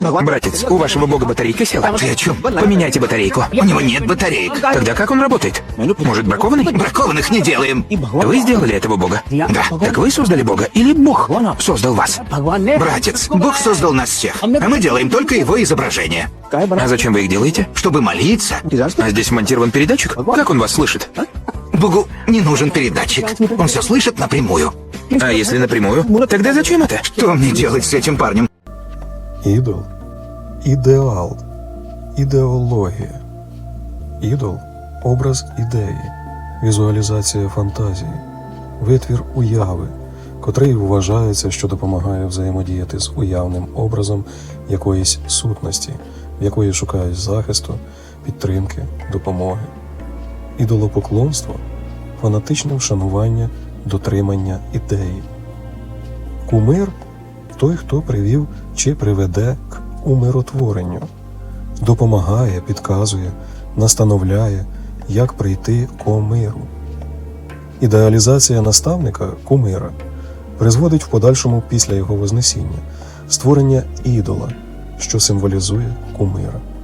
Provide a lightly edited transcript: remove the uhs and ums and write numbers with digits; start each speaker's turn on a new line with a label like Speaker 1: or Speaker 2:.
Speaker 1: Братец, у вашего бога батарейка села?
Speaker 2: Ты о чем?
Speaker 1: Поменяйте батарейку.
Speaker 2: У него нет батареек.
Speaker 1: Тогда как он работает? Может, бракованный?
Speaker 2: Бракованных не делаем.
Speaker 1: Вы сделали этого бога?
Speaker 2: Да.
Speaker 1: Так вы создали бога или бог создал вас?
Speaker 2: Братец, Бог создал нас всех, а мы делаем только его изображение.
Speaker 1: А зачем вы их делаете?
Speaker 2: Чтобы молиться.
Speaker 1: А здесь монтирован передатчик? Как он вас слышит?
Speaker 2: Богу не нужен передатчик. Он все слышит напрямую.
Speaker 1: А если напрямую? Тогда зачем это?
Speaker 2: Что мне делать с этим парнем?
Speaker 3: Ідол – ідеал, ідеологія. Ідол – образ ідеї, візуалізація фантазії, витвір уяви, котрий вважається, що допомагає взаємодіяти з уявним образом якоїсь сутності, в якої шукають захисту, підтримки, допомоги. Ідолопоклонство – фанатичне вшанування, дотримання ідеї. Кумир – той, хто привів чи приведе к умиротворенню, допомагає, підказує, настановляє, як прийти ко миру. Ідеалізація наставника, кумира, призводить в подальшому після його вознесіння створення ідола, що символізує кумира.